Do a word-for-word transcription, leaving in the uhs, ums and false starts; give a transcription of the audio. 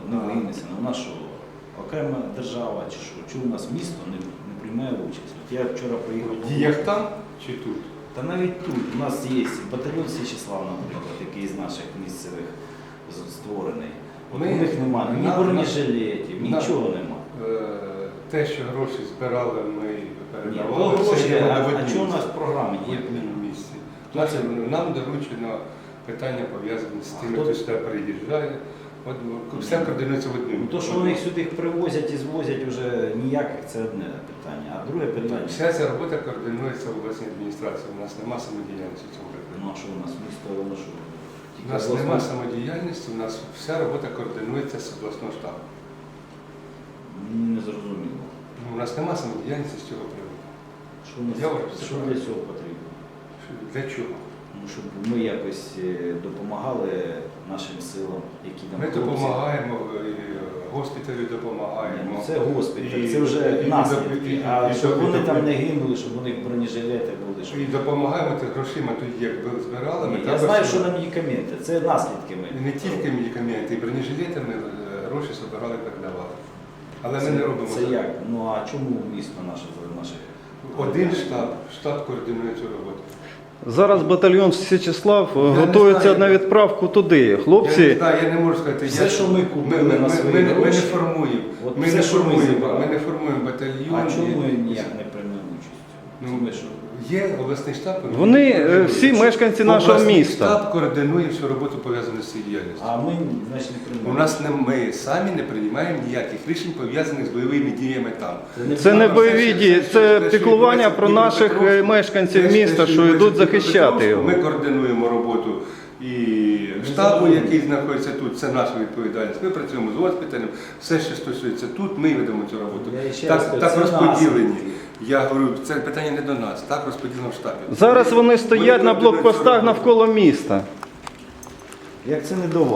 не винесено. У нас що, окрема держава чи що? Чому у нас місто не, не приймає участь? От я вчора приїхав. В діях там чи тут? Та навіть тут у нас є батальйон Січеслав, наприклад, який з наших місцевих з- створений. От Ми- у них немає ні на- бронежилетів, на- нічого немає. Е, Те, що гроші збирали, ми Ні, передавали. то це гроші, є а, на а одній чого у нас місці. в програмі В є? одному місці. Хто Нас- це? Нам доручено питання пов'язані з тим, хто- хто сюди приїжджає. От, все координується в одному. Ну, то, що вони їх сюди привозять і звозять, вже ніяких, це одне питання. А друге питання, Вся ця робота координується в обласній адміністрації. У нас нема самодіяльності в цьому питанні. ну а що у нас місто, воно що? Тільки У нас обласна- нема самодіяльності, у нас вся робота координується з обласного штабу. Мені не зрозуміло. Ну, у нас нема самодіяльності з цього приводу. Що, у нас- Я вважаю, це що правильно. для цього потрібно? Що- Для чого? Ну, щоб ми якось е, допомагали нашим силам, які там Ми хлопці- допомагаємо, і госпіталю Ні, допомагаємо. ну, це госпіталь, І- це вже і- і- наслідки. і- А і- щоб і- вони і- там не гинули, щоб у них бронежилети були. Щоб... І допомагаємо тих грошима тоді, як ви збирали. ми Ні, я також- знаю, що на медикаменти, це наслідки ми. І не тільки медикаменти, і бронежилети ми е, гроші збирали і передавали. Але ми не робимо Це так. як? Ну а чому місто наше наше? Один штаб, штаб координує цю роботу. Зараз батальйон Січеслав е, не готується знаю. на відправку туди. Я не Хлопці, знаю, я не можу сказати. Все, я, що ми купили ми, на ми, свої ми, не- ми гроші, не формуємо. от Ми все, не що ми формуємо, зібрали. ми не формуємо батальйон. А чому ми і- ніяк не приймемо участь? Ну, Це ми що? Є обласний штаб. вони е, координує. всі мешканці нашого Обласний міста. штаб координує всю роботу пов'язану з цією діяльністю. А ми, значить, не приймемо. У нас не ми самі не приймаємо ніяких рішень пов'язаних з бойовими діями там. Це не Все, бойові все, дії, все, це все, що піклування відбувається про в наших е, Дніпропетровську, мешканців все, міста, що що відбувається йдуть в захищати Дніпропетровську, його. Ми координуємо роботу і штабу, забудемо. який знаходиться тут, це наша відповідальність. Ми працюємо з госпіталем, все, що стосується тут, ми ведемо цю роботу. Я ще раз Так, кажу, так це розподілені. наслідки. Я говорю, це питання не до нас, так розподілено в штабі. Зараз вони стоять на координують цю блокпостах роботу. навколо міста. Як це не до вас?